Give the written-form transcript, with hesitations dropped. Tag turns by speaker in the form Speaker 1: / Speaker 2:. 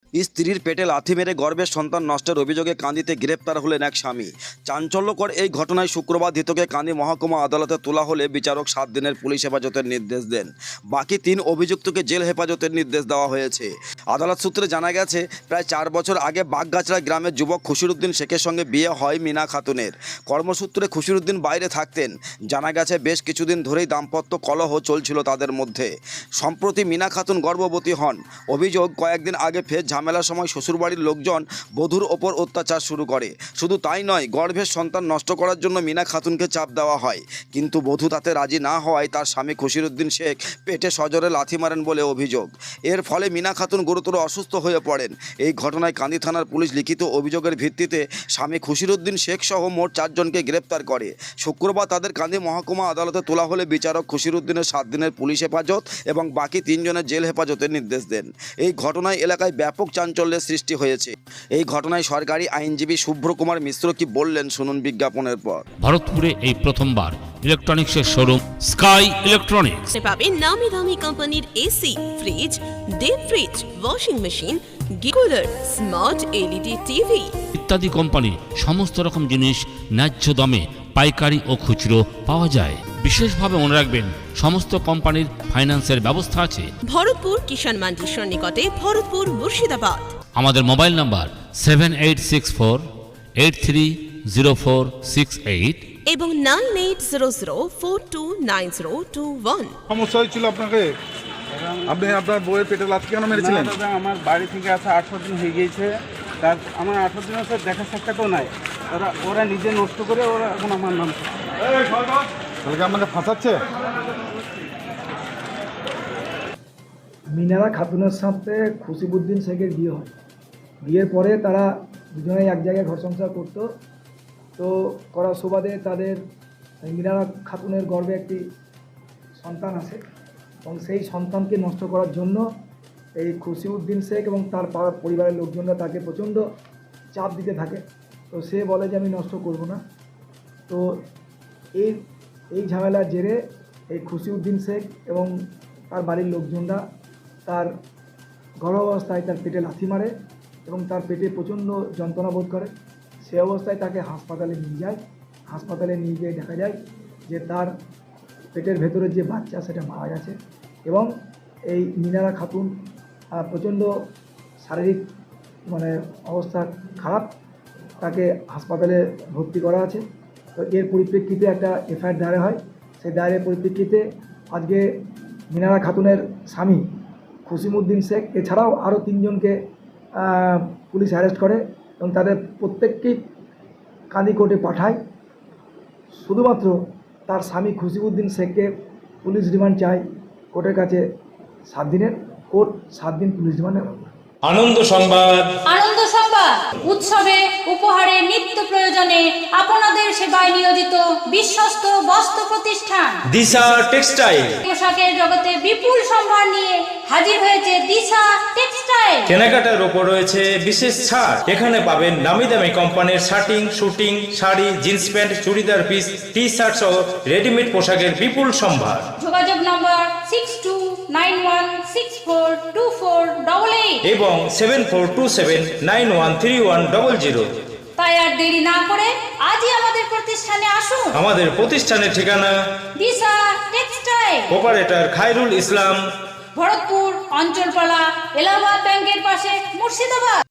Speaker 1: স্ত্রীর পেটে লাথি মেরে গর্ভের সন্তান নষ্টের অভিযোগে কান্দিতে গ্রেপ্তার হলেন এক স্বামী। চাঞ্চল্যকর এই ঘটনায় শুক্রবার ধৃতকে কান্দি মহকুমা আদালতে তোলা হলে বিচারক 7 দিনের পুলিশ হেফাজতের নির্দেশ দেন। বাকি 3 অভিযুক্তকে জেল হেফাজতের নির্দেশ দেওয়া হয়েছে। আদালত সূত্রে জানা গেছে, প্রায় 4 বছর আগে বাগগাছড়া গ্রামের যুবক খুশিরুদ্দিন শেখের সঙ্গে বিয়ে হয় মিনা খাতুনের। কর্মসূত্রে খুশিরুদ্দিন বাইরে থাকতেন। জানা গেছে, বেশ কিছুদিন ধরেই দাম্পত্য কলহ চলছিল তাদের মধ্যে। সম্প্রতি মিনা খাতুন গর্ভবতী হন। অভিযোগ, কয়েকদিন আগে ফের ঝামেলার সময় শ্বশুরবাড়ির লোকজন বধূর ওপর অত্যাচার শুরু করে। শুধু তাই নয়, গর্ভের সন্তান নষ্ট করার জন্য মিনা খাতুনকে চাপ দেওয়া হয়, কিন্তু বধূ তাতে রাজি না হওয়ায় তার স্বামী খুশিরুদ্দিন শেখ পেটে সজোরে লাথি মারেন বলে অভিযোগ। এর ফলে মিনা খাতুন গুরুতর অসুস্থ হয়ে পড়েন। এই ঘটনায় কান্দি থানার পুলিশ লিখিত অভিযোগের ভিত্তিতে স্বামী খুশিরুদ্দিন শেখ সহ মোট 4 জনকে গ্রেপ্তার করে। শুক্রবার তাদের কান্দি মহকুমা আদালতে তোলা হলে বিচারক খুশিরুদ্দিনের 7 দিনের পুলিশ হেফাজত এবং বাকি 3 জনের জেল হেফাজতের নির্দেশ দেন। এই ঘটনায় এলাকায় ব্যাপক চাঞ্চল্যের সৃষ্টি হয়েছে। এই ঘটনায় সরকারি আইনজীবী শুভ্র কুমার মিশ্র কি বললেন, শুনুন বিজ্ঞাপনের পর।
Speaker 2: ভারতপুরে এই প্রথমবার ইলেকট্রনিক্সের শোরুম স্কাই ইলেকট্রনিক্স
Speaker 3: পাবেন নামি দামি কোম্পানির AC, fridge, deep fridge, washing machine, cooler, smart LED TV
Speaker 2: ইত্যাদি কোম্পানির সমস্ত রকম জিনিস ন্যায্য দামে পাইকারি ও খুচরো পাওয়া যায়। বিশেষভাবে মনে রাখবেন, সমস্ত কোম্পানির ফাইন্যান্সের ব্যবস্থা আছে।
Speaker 3: ভরতপুর কিষাণ মান্ডির সন্নিকটে, ভরতপুর, মুর্শিদাবাদ।
Speaker 2: আমাদের মোবাইল নাম্বার 7864830468
Speaker 3: এবং 9800429021।
Speaker 4: সমস্যা হয়েছিল আপনাকে? আপনি আপনার বউয়ের পেটে লাথি কেন মেরেছিলেন?
Speaker 5: দাদা, আমার বাড়ি থেকে আসা 18 দিন হয়ে গিয়েছে। তার আমার 18 দিনের সাথে দেখা সাক্ষাৎও নাই। ওরা নিজে নষ্ট করে ওরা এখন আমার নাম।
Speaker 4: তাহলে কি আপনাকে ফাঁসাচ্ছে?
Speaker 6: মিনারা খাতুনের সাথে খুশিবুদ্দিন শেখের বিয়ে হয়। বিয়ের পরে তারা দুজনেই এক জায়গায় ঘর সংসার করতো। তো করার সুবাদে তাদের মিনারা খাতুনের গর্ভে একটি সন্তান আসে এবং সেই সন্তানকে নষ্ট করার জন্য এই খুশিউদ্দিন শেখ এবং তার পরিবারের লোকজনরা তাকে প্রচণ্ড চাপ দিতে থাকে। তো সে বলে যে আমি নষ্ট করব না। তো এই ঝামেলার জেরে এই খুশিউদ্দিন শেখ এবং তার বাড়ির লোকজনরা তার গর্ভাবস্থায় তার পেটে লাথি মারে এবং তার পেটে প্রচণ্ড যন্ত্রণা বোধ করে। সে অবস্থায় তাকে হাসপাতালে নিয়ে যায়। হাসপাতালে নিয়ে গিয়ে দেখা যায় যে তার পেটের ভেতরে যে বাচ্চা সেটা মারা গেছে এবং এই মিনারা খাতুন প্রচণ্ড শারীরিক অবস্থা খারাপ। তাকে হাসপাতালে ভর্তি করা আছে। তো এর পরিপ্রেক্ষিতে একটা এফআইআর দায়ের হয়। সেই দায়ের পরিপ্রেক্ষিতে আজকে মিনারা খাতুনের স্বামী খুশিমুদ্দিন শেখ এছাড়াও আরও 3 জনকে পুলিশ অ্যারেস্ট করে এবং তাদের প্রত্যেককেই কান্দি কোর্টে পাঠায়। শুধুমাত্র তার স্বামী খুশিমুদ্দিন শেখকে পুলিশ রিমান্ড চায় কোর্টের কাছে 7 দিনের। কোর্ট 7 দিন পুলিশ রিমান্ডে।
Speaker 7: আনন্দ সংবাদ
Speaker 8: উৎসবে উপহারে নিত্য প্রয়োজনে আপনাদের সেবায় নিয়োজিত বিশ্বস্ত বস্ত্র প্রতিষ্ঠান
Speaker 7: দিশা টেক্সটাইল।
Speaker 8: পোশাকের জগতে বিপুল সম্ভার নিয়ে হাজির হয়েছে দিশা টেক্সটাইল।
Speaker 7: কেনাকাটার উপর রয়েছে বিশেষ ছাড়। এখানে পাবেন নামি দামি কোম্পানির shirting, suiting, sari, jeans pant, churidar piece, T shirt সহ রেডিমেড পোশাকের বিপুল সম্ভার।
Speaker 8: যোগাযোগ নম্বর 6291642488
Speaker 7: এবং 7427913100।
Speaker 8: তাই আর দেরি না করে আজই আমাদের প্রতিষ্ঠানে আসুন।
Speaker 7: আমাদের প্রতিষ্ঠানের ঠিকানা
Speaker 8: দিশা টেক্সটাইল,
Speaker 7: অপারেটর খায়রুল ইসলাম,
Speaker 8: ভরতপুর, অঞ্চলপালা, এলাহাবাদ ব্যাংকের পাশে, মুর্শিদাবাদ।